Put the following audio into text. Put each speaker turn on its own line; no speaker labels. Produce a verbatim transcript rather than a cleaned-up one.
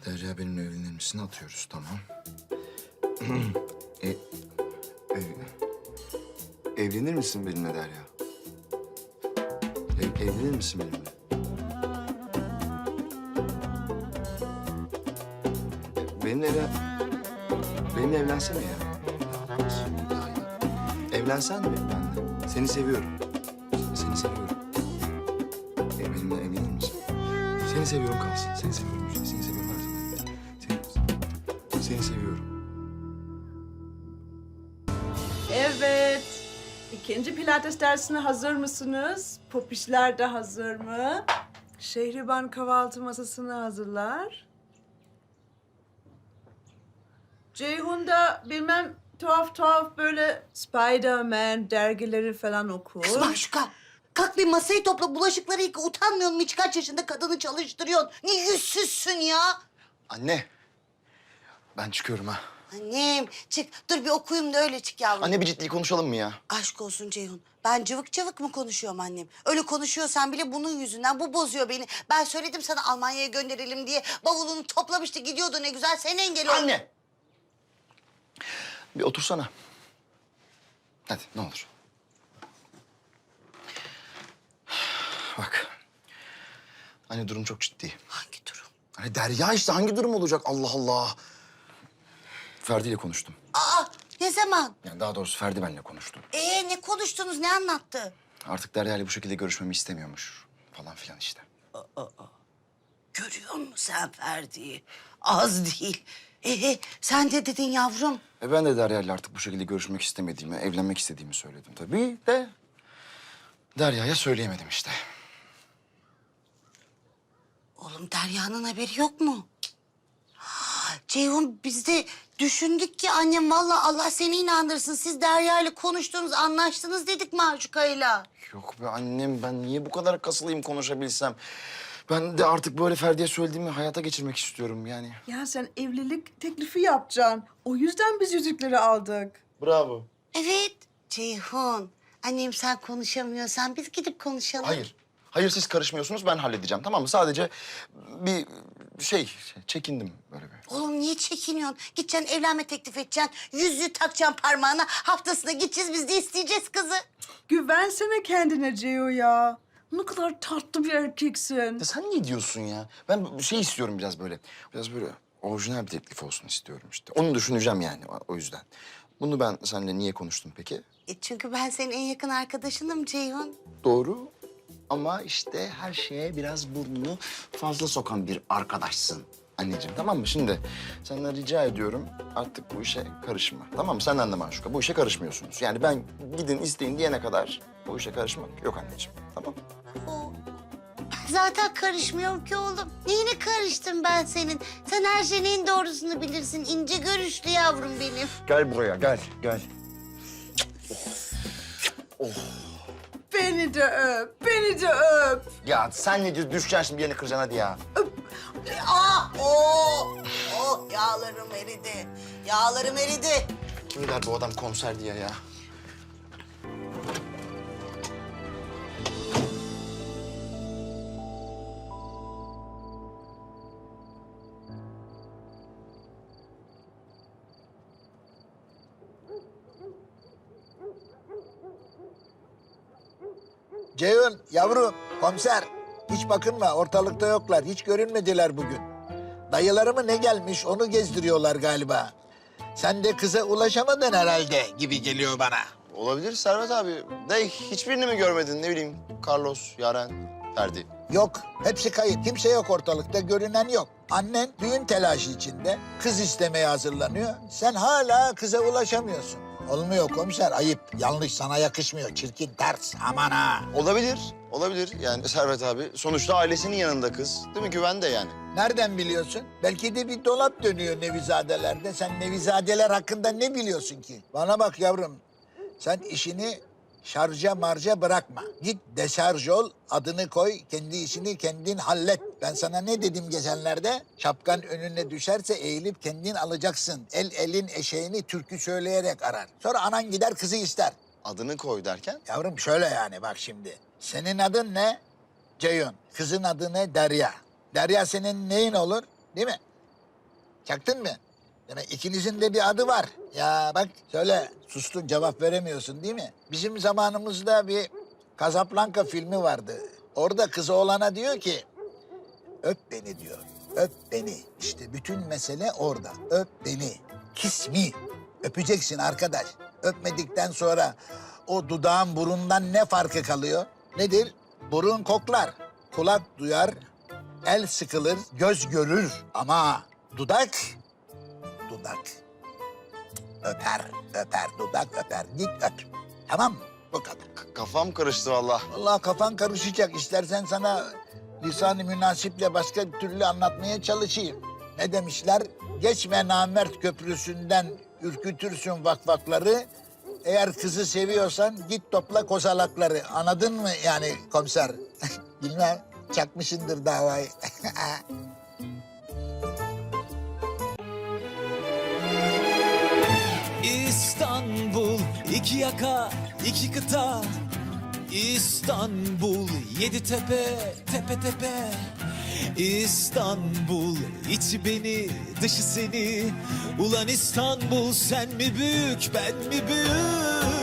Derya benimle evlenir misin? Atıyoruz, tamam. e, ev, evlenir misin benimle Derya? Ev, evlenir misin benimle? E, benimle evlen... Benimle evlensene ya. Evlensen mi benimle? Seni seviyorum. Seni seviyorum. E, benimle evlenir misin? Seni seviyorum kalsın. Seni seviyorum. Seni seviyorum her zaman. Seni, seni seviyorum.
Evet. İkinci pilates dersine hazır mısınız? Popişler de hazır mı? Şehriban kahvaltı masasını hazırlar. Ceyhun da bilmem tuhaf tuhaf böyle Spider-Man dergileri falan okur.
Kız Maşuka, kalk bir masayı topla, bulaşıkları yıka. Utanmıyor musun? Hiç kaç yaşında kadını çalıştırıyorsun? Ne yüzsüzsün ya?
Anne. Ben çıkıyorum ha.
Annem, çık. Dur bir okuyayım da öyle çık yavrum.
Anne bir ciddi konuşalım mı ya?
Aşk olsun Ceyhun. Ben cıvık cıvık mı konuşuyorum annem? Öyle konuşuyorsan bile bunun yüzünden. Bu bozuyor beni. Ben söyledim sana Almanya'ya gönderelim diye. Bavulunu toplamıştı, gidiyordu ne güzel. Sen engel ol.
Anne! Bir otursana. Hadi ne olur. Bak. Anne durum çok ciddi.
Hangi durum?
Hani Derya işte hangi durum olacak Allah Allah. Ferdi ile konuştum.
Aa, ne zaman?
Yani daha doğrusu Ferdi benimle konuştu.
Ee, ne konuştunuz, ne anlattı?
Artık Derya ile bu şekilde görüşmemi istemiyormuş. Falan filan işte.
Görüyor musun sen Ferdi'yi? Az değil. Ee, sen de dedin yavrum.
E ben de Derya ile artık bu şekilde görüşmek istemediğimi, evlenmek istediğimi söyledim tabii de... Derya'ya söyleyemedim işte.
Oğlum Derya'nın haberi yok mu? Ceyhun biz de düşündük ki annem vallahi Allah seni inandırsın. Siz Derya ile konuştunuz, anlaştınız dedik Maşuka'yla.
Yok be annem, ben niye bu kadar kasılayım konuşabilsem? Ben de artık böyle Ferdi'ye söylediğimi hayata geçirmek istiyorum yani.
Ya sen evlilik teklifi yapacaksın. O yüzden biz yüzükleri aldık.
Bravo.
Evet Ceyhun. Annem sen konuşamıyorsan biz gidip konuşalım.
Hayır. Hayır siz karışmıyorsunuz, ben halledeceğim tamam mı? Sadece bir şey, çekindim böyle bir.
Oğlum niye çekiniyorsun? Gideceksin evlenme teklif edeceksin. Yüzüğü takacaksın parmağına. Haftasına gideceğiz biz de isteyeceğiz kızı.
Güvensene kendine Ceyhun ya. Ne kadar tatlı bir erkeksin.
Ya sen ne diyorsun ya? Ben bir şey istiyorum biraz böyle. Biraz böyle orijinal bir teklif olsun istiyorum işte. Onu düşüneceğim yani o- o yüzden. Bunu ben seninle niye konuştum peki?
E çünkü ben senin en yakın arkadaşınım Ceyhun.
Doğru. Ama işte her şeye biraz burnunu fazla sokan bir arkadaşsın anneciğim, tamam mı? Şimdi senden rica ediyorum artık bu işe karışma, tamam mı? Senden de Maşuka, bu işe karışmıyorsunuz. Yani ben gidin isteyin diyene kadar bu işe karışmak yok anneciğim, tamam mı?
O... Zaten karışmıyorum ki oğlum. Neyine karıştım ben senin? Sen her şeyin en doğrusunu bilirsin. İnce görüşlü yavrum benim.
Gel buraya, gel, gel.
Beni de öp, beni de öp.
Ya sen ne diyorsun? Düşeceksin şimdi, yerini kıracaksın hadi ya.
Aa, o, o yağlarım eridi. Yağlarım eridi.
Kim der bu adam konser diye ya?
Ceyhun, yavrum, komiser. Hiç bakınma, ortalıkta yoklar. Hiç görünmediler bugün. Dayıları mı ne gelmiş, onu gezdiriyorlar galiba. Sen de kıza ulaşamadın herhalde gibi geliyor bana.
Olabilir Servet abi. De hiçbirini mi görmedin? Ne bileyim, Carlos, Yaren, Ferdi.
Yok, hepsi kayıp. Kimse yok ortalıkta, görünen yok. Annen düğün telaşı içinde, kız istemeye hazırlanıyor. Sen hala kıza ulaşamıyorsun. Olmuyor komiser, ayıp. Yanlış, sana yakışmıyor. Çirkin, ters. Aman ha.
Olabilir, olabilir. Yani Servet abi sonuçta ailesinin yanında kız. Değil mi? Güvende yani.
Nereden biliyorsun? Belki de bir dolap dönüyor Nevizadelerde. Sen Nevizadeler hakkında ne biliyorsun ki? Bana bak yavrum. Sen işini şarja marja bırakma. Git deşarj ol, adını koy, kendi işini kendin hallet. Ben sana ne dedim geçenlerde? Şapkan önüne düşerse eğilip kendin alacaksın. El elin eşeğini türkü söyleyerek arar. Sonra anan gider kızı ister.
Adını koy derken?
Yavrum şöyle yani bak şimdi. Senin adın ne? Ceyhun. Kızın adı ne? Derya. Derya senin neyin olur? Değil mi? Çaktın mı? Demek ikinizin de bir adı var. Ya bak söyle, sustun, cevap veremiyorsun değil mi? Bizim zamanımızda bir Casablanca filmi vardı. Orada kız oğlana diyor ki, öp beni diyor, öp beni. İşte bütün mesele orada, öp beni. Kiss me. Öpeceksin arkadaş. Öpmedikten sonra o dudağın burundan ne farkı kalıyor? Nedir? Burun koklar, kulak duyar, el sıkılır, göz görür. Ama dudak, dudak öper, öper, dudak öper. Git öp. Tamam mı? Bu kadar.
K- kafam karıştı vallahi.
Vallahi kafan karışacak. İstersen sana lisan-ı münasiple başka türlü anlatmaya çalışayım. Ne demişler? Geçme namert köprüsünden ürkütürsün vakvakları. Eğer kızı seviyorsan git topla kozalakları. Anladın mı yani komiser? Bilmem, çakmışındır davayı.
İstanbul, iki yaka, iki kıta. İstanbul, yedi tepe, tepe tepe. İstanbul, içi beni, dışı seni. Ulan İstanbul, sen mi büyük, ben mi büyük?